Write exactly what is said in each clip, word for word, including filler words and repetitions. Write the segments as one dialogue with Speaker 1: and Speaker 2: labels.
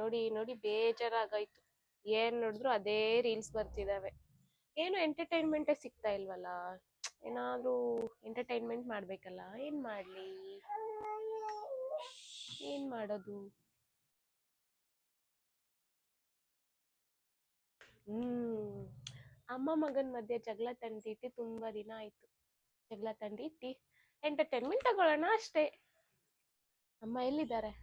Speaker 1: ನೋಡಿ ನೋಡಿ ಬೇಜಾರಾಗಾಯ್ತು. ಏನ್ ನೋಡಿದ್ರು ಅದೇ ರೀಲ್ಸ್ ಬರ್ತಿದಾವೆ. ಏನು ಎಂಟರ್ಟೈನ್ಮೆಂಟೇ ಸಿಗ್ತಾ ಇಲ್ವಲ್ಲ. ಏನಾದ್ರೂ ಎಂಟರ್ಟೈನ್ಮೆಂಟ್ ಮಾಡ್ಬೇಕಲ್ಲ. ಏನ್ ಮಾಡ್ಲಿ, ಏನ್ ಮಾಡೋದು? ಹ್ಮ್ ಅಮ್ಮ ಮಗನ್ ಮಧ್ಯೆ ಜಗಳ ತಂದಿಟ್ಟು ತುಂಬಾ ದಿನ ಆಯ್ತು. ಜಗಳ ತಂದಿಟ್ಟಿ ಎಂಟರ್ಟೈನ್ಮೆಂಟ್ ತಗೊಳ್ಳೋಣ ಅಷ್ಟೇ. ಅಮ್ಮ ಎಲ್ಲಿದ್ದಾರೆ?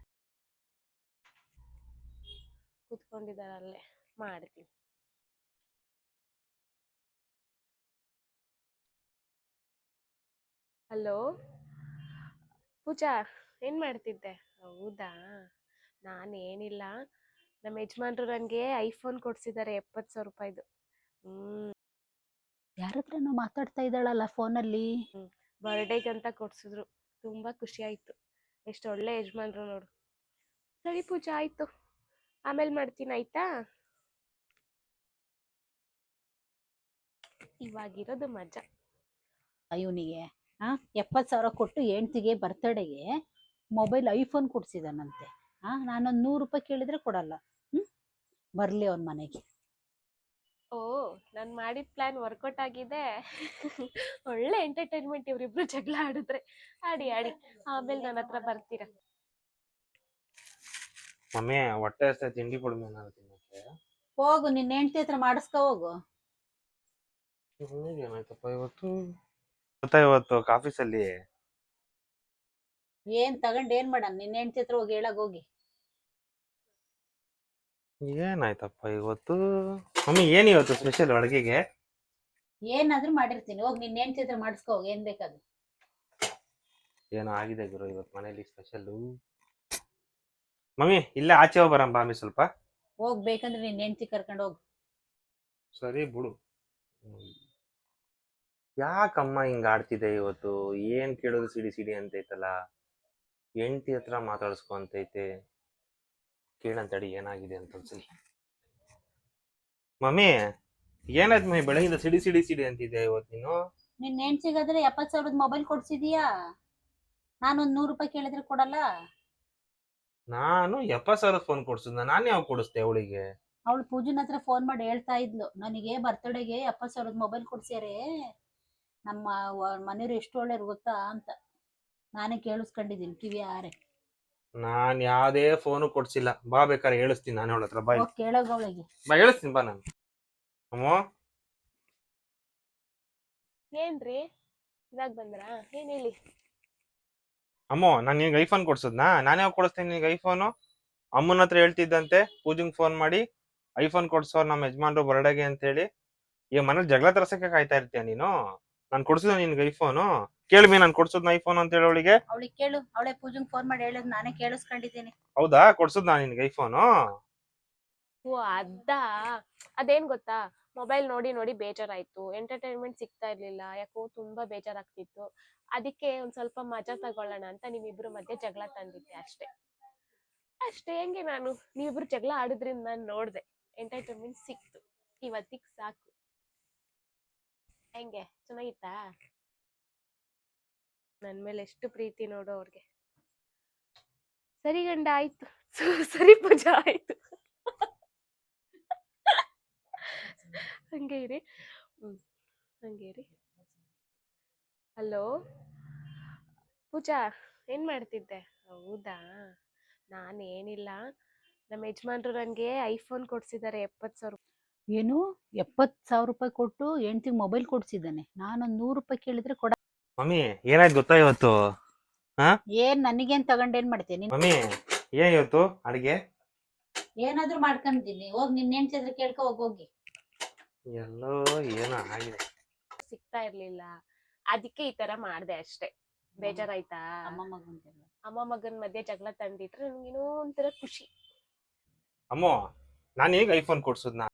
Speaker 1: ಕೂತ್ಕೊಂಡಿದ್ದಾರೆ ಅಲ್ಲೇ. ಮಾಡ್ತೀನಿ. ಹಲೋ ಪೂಜಾ, ಏನ್ ಮಾಡ್ತಿದ್ದೆ? ಹೌದಾ, ನಾನೇನಿಲ್ಲ, ನಮ್ಮ ಯಜಮಾನ್ರು ನನ್ಗೆ ಐಫೋನ್ ಕೊಡ್ಸಿದ್ದಾರೆ ಎಪ್ಪತ್ ಸಾವಿರ ರೂಪಾಯಿದು. ಹ್ಮ್
Speaker 2: ಯಾರ ಹತ್ರನೋ ಮಾತಾಡ್ತಾ ಇದ್ದಾಳಲ್ಲ ಫೋನಲ್ಲಿ.
Speaker 1: ಬರ್ಡೇಗೆ ಅಂತ ಕೊಡ್ಸಿದ್ರು. ತುಂಬಾ ಖುಷಿ ಆಯ್ತು. ಎಷ್ಟು ಒಳ್ಳೆ ಯಜಮಾನ್ರು ನೋಡು. ಸರಿ ಪೂಜಾ, ಆಯ್ತು, ಆಮೇಲೆ ಮಾಡ್ತೀನಿ ಆಯ್ತಾ? ಇವಾಗಿರೋದು ಮಜಾ.
Speaker 2: ಇವನಿಗೆ ಆ ಎಪ್ಪತ್ತು ಸಾವಿರ ಕೊಟ್ಟು ಹೆಂಡ್ತಿಗೆ ಬರ್ತಡೆಗೆ ಮೊಬೈಲ್ ಐಫೋನ್ ಕೊಡ್ಸಿದಾನಂತೆ. ಆ ನಾನೊಂದು ನೂರು ರೂಪಾಯಿ ಕೇಳಿದ್ರೆ ಕೊಡಲ್ಲ. ಹ್ಮ್ ಬರ್ಲಿ ಅವನ ಮನೆಗೆ.
Speaker 1: ಓ, ನಾನು ಮಾಡಿದ ಪ್ಲಾನ್ ವರ್ಕೌಟ್ ಆಗಿದೆ. ಒಳ್ಳೆ ಎಂಟರ್ಟೈನ್ಮೆಂಟ್ ಇವ್ರಿಬ್ರು ಜಗಳ ಆಡಿದ್ರೆ. ಆಡಿ ಆಡಿ ಆಮೇಲೆ ನನ್ನ ಹತ್ರ ಬರ್ತೀರಾ.
Speaker 3: ಮಮ್ಮಿ ಹೊಟ್ಟೆ ಹಸ್ತ ತಿಂಡಿ ಕೊಡ್ಮೆ ನಾನು ತಿನ್ನಕ್ಕೆ.
Speaker 2: ಹೋಗು, ನಿನ್ನ ಹೆಂಡ್ತಿ ಹತ್ರ ಮಾಡಿಸ್ಕೊ ಹೋಗು.
Speaker 3: ಮಮ್ಮಿಗೆ ಏನಾಯ್ತಪ್ಪ ಇವತ್ತು? ಗೊತ್ತಾ ಇವತ್ತು ಆಫೀಸಲ್ಲಿ
Speaker 2: ಏನ್ ತಗೊಂಡ್ ಏನ್ ಮಾಡಣ? ನಿನ್ನ ಹೆಂಡ್ತಿ ಹತ್ರ ಹೋಗಿ ಹೇಳಕ್ ಹೋಗಿ.
Speaker 3: ಏನಾಯ್ತಪ್ಪ ಇವತ್ತು? ಮಮ್ಮಿ ಏನ್ ಇವತ್ತು ಸ್ಪೆಷಲ್ ಅಡುಗೆಗೆ?
Speaker 2: ಏನಾದ್ರೂ ಮಾಡಿರ್ತೀನಿ, ಹೋಗಿ ನಿನ್ನ ಹೆಂಡ್ತಿ ಹತ್ರ ಮಾಡಿಸ್ಕೊ ಹೋಗಿ ಏನ್ ಬೇಕಾದ್ರು.
Speaker 3: ಏನೋ ಆಗಿದೆ ಗುರು ಇವತ್ತು ಮನೇಲಿ ಸ್ಪೆಷಲ್. ಮಮ್ಮಿ ಇಲ್ಲೇ ಆಚೆ ಹೋಗಿ ಬರಂ ಬಾ ಮಮ್ಮಿ ಸ್ವಲ್ಪ.
Speaker 2: ಹೋಗ್ ಬೇಕಂದ್ರೆ ನಿನ್ನ ಹೆಂಡ್ತಿ ಕರ್ಕೊಂಡು ಹೋಗು.
Speaker 3: ಸರಿ ಬಿಡು. ಯಾಕಮ್ಮ ಹಿಂಗ ಆಡ್ತಿದೆ ಇವತ್ತು? ಏನ್ ಕೇಳೋದು ಸಿಡಿ ಸಿಡಿ ಅಂತೈತಲ್ಲ. ಹೆಂಡತಿ ಹತ್ರ ಮಾತಾಡ್ಸ್ಕೊಂತೈತೆ. ಕೇಳಂತಡಿ ಏನಾಗಿದೆ ಅಂತ ಒಂದ್ಸಲಿ. ಮಮ್ಮಿ ಏನಾಯ್ತು ಮಮ್ಮಿ ಬೆಳಗಿಂದ ಸಿಡಿ ಸಿಡಿ ಸಿಡಿ ಅಂತಿದ್ದೆ ಇವತ್ತು ನೀನು?
Speaker 2: ನಿನ್ನ ಹೆಂಡ್ತಿಗಾದ್ರೆ ಎಪ್ಪತ್ ಸಾವಿರದ ಮೊಬೈಲ್ ಕೊಡ್ಸಿದೀಯಾ, ನಾನೊಂದ್ ನೂರು ರೂಪಾಯಿ ಕೇಳಿದ್ರೆ ಕೊಡಲ್ಲ?
Speaker 3: ನಾನು ಎಪ್ಪತ್ ಸಾವಿರದ ಫೋನ್ ಕೊಡ್ಸಿದ್ನ? ನಾನು ಯಾವ ಕೊಡಿಸ್ದೆ ಅವಳಿಗೆ?
Speaker 2: ಅವಳು ಪೂಜನ್ ಹತ್ರ ಫೋನ್ ಮಾಡಿ ಹೇಳ್ತಾ ಇದ್ಲು, ನನಗೆ ಬರ್ತಡೆಗೆ ಎಪ್ಪತ್ ಸಾವಿರದ ಮೊಬೈಲ್ ಕೊಡ್ಸ್ಯಾರೆ, ನಮ್ಮ ಮನೆಯವ್ರು ಎಷ್ಟು ಒಳ್ಳೆಯವ್ರು ಗೊತ್ತಾ ಅಂತ. ನಾನೇ ಕೇಳಿಸ್ಕೊಂಡಿದ್ದೀನಿ ಕಿವಿ ಆರೆ.
Speaker 3: ನಾನ್ ಯಾವ್ದೇ ಫೋನು ಕೊಡ್ಸಿಲ್ಲ. ಬಾ ಬೇಕಾದ್ರೆ ಹೇಳಿಸ್ತೀನಿ ನಾನು ಅವಳ ಹತ್ರ. ಬಾ
Speaker 2: ಹೋಗಿ ಕೇಳೋಗ ಅವಳಿಗೆ.
Speaker 3: ಬಾ ಹೇಳಿಸ್ತೀನಿ ಬಾ ನಾನು. ಅಮ್ಮ
Speaker 1: ಏನ್ರಿ ಇದಾಗ ಬಂದ್ರಾ? ಏನ್ ಹೇಳಿ.
Speaker 3: ಅಮ್ಮ ನಾನು ನಿನ್ಗೆ ಐಫೋನ್ ಕೊಡ್ಸದ್ನಾ? ನಾನು ಯಾವ ಕೊಡಿಸ್ತೇನೆ ನಿನ್ಗೆ ಐಫೋನು? ಅಮ್ಮನ ಹತ್ರ ಹೇಳ್ತಿದ್ದಂತೆ ಪೂಜಂಗ್ ಫೋನ್ ಮಾಡಿ ಐಫೋನ್ ಕೊಡ್ಸೋರ್ ನಮ್ಮ ಯಜಮಾನ್ರು ಬರ್ಡೇಗೆ ಅಂತ ಹೇಳಿ. ಈಗ ಮನೇಲಿ ಜಗಳ ತರ್ಸಕ್ಕೆ ಕಾಯ್ತಾ ಇರ್ತೀಯ ನೀನು? ನಾನು ಕೊಡ್ಸಿದ ನಿನ್ಗೆ ಐಫೋನು? ಕೇಳ್ಮಿ ನಾನು ಕೊಡ್ಸೋದ್ನ ಐಫೋನ್ ಅಂತ ಹೇಳಿ ಅವಳಿಗೆ.
Speaker 2: ಅವಳಿಗೆ ಕೇಳು, ಅವಳೆ ಪೂಜಂಗ್ ಫೋನ್ ಮಾಡಿ ಹೇಳೋದು ನಾನೇ ಕೇಳಿಸ್ಕೊಂಡಿದ್ದೀನಿ.
Speaker 3: ಹೌದಾ, ಕೊಡ್ಸದ್ ನಾನು ನಿನ್ಗೆ ಐಫೋನು?
Speaker 1: ಓ ಅದ ಅದೇನ್ ಗೊತ್ತಾ, ಮೊಬೈಲ್ ನೋಡಿ ನೋಡಿ ಬೇಜಾರಾಯ್ತು, ಎಂಟರ್ಟೈನ್ಮೆಂಟ್ ಸಿಗ್ತಾ ಇರ್ಲಿಲ್ಲ, ಯಾಕೋ ತುಂಬಾ ಬೇಜಾರಾಗ್ತಿತ್ತು. ಅದಕ್ಕೆ ಒಂದ್ ಸ್ವಲ್ಪ ಮಜಾ ತಗೊಳ್ಳೋಣ ಅಂತ ನಿಮ್ಮಿಬ್ರು ಮಧ್ಯೆ ಜಗಳ ತಂದಿದ್ದೆ ಅಷ್ಟೇ. ಅಷ್ಟೇ. ಹೆಂಗೆ ನಾನು ನೀವಿಬ್ರು ಜಗಳ ಆಡಿದ್ರಿಂದ ನಾನು ನೋಡ್ದೆ, ಎಂಟರ್ಟೈನ್ಮೆಂಟ್ ಸಿಕ್ತು. ಇವತ್ತಿಗ್ ಸಾಕು. ಹೆಂಗೆ, ಚೆನ್ನಾಗಿತ್ತಾ? ನನ್ ಮೇಲೆ ಎಷ್ಟು ಪ್ರೀತಿ ನೋಡು ಅವ್ರಿಗೆ. ಸರಿ ಗಂಡ, ಆಯ್ತು. ಸರಿ ಪೂಜಾ, ಆಯ್ತು. ಹಂಗೆ ಇರಿ. ಹ್ಮ್ ಹಂಗೆ ಇರಿ. ಹಲೋ ಪೂಜಾ, ಏನ್ ಮಾಡ್ತಿದ್ದೆ? ಹೌದಾ, ನಾನೇನಿಲ್ಲ, ನಮ್ಮ ಯಜಮಾನ್ರು ನನ್ಗೆ ಐಫೋನ್ ಕೊಡ್ಸಿದ್ದಾರೆ ಎಪ್ಪತ್ ಸಾವಿರ.
Speaker 2: ಏನು, ಎಪ್ಪತ್ ಸಾವಿರ ರೂಪಾಯಿ ಕೊಟ್ಟು ಹೆಂಡ್ತಿಗೆ ಮೊಬೈಲ್ ಕೊಡ್ಸಿದ್ದಾನೆ? ನಾನೊಂದ್ ನೂರು ರೂಪಾಯಿ ಕೇಳಿದ್ರೆ ಕೊಡ.
Speaker 3: ಮಮ್ಮಿ ಏನಾಯ್ತು ಗೊತ್ತಾ ಇವತ್ತು? ಹಾ
Speaker 2: ಏನ್ ನನಗೇನ್ ತಗೊಂಡ್ ಏನ್ ಮಾಡ್ತೀನಿ?
Speaker 3: ಮಮ್ಮಿ ಏನ್ ಇವತ್ತು ಅಡಿಗೆ?
Speaker 2: ಏನಾದ್ರೂ ಮಾಡ್ಕೊಂಡಿದ್ದೀನಿ, ಹೋಗಿ ನಿನ್ನ ಹೆಂಡ್ತಿ ಹತ್ರ ಕೇಳ್ಕೊ ಹೋಗಿ ಹೋಗಿ.
Speaker 3: ಎಲ್ಲೋ ಏನೋ ಆಗಿದೆ.
Speaker 1: ಸಿಗ್ತಾ ಇರ್ಲಿಲ್ಲ, ಅದಕ್ಕೆ ಈ ತರ ಮಾಡ್ದೆ ಅಷ್ಟೇ. ಬೇಜಾರಾಯ್ತಾ?
Speaker 2: ಅಮ್ಮ ಮಗನ್ ಜಗಳ.
Speaker 1: ಅಮ್ಮ ಮಗನ್ ಮಧ್ಯೆ ಜಗಳ ತಂದಿಟ್ರೆ ನನ್ಗೇನೋ ಒಂಥರ ಖುಷಿ.
Speaker 3: ಅಮ್ಮೋ ನಾನು ಈಗ ಐಫೋನ್ ಕೊಡ್ಸದ್ನ?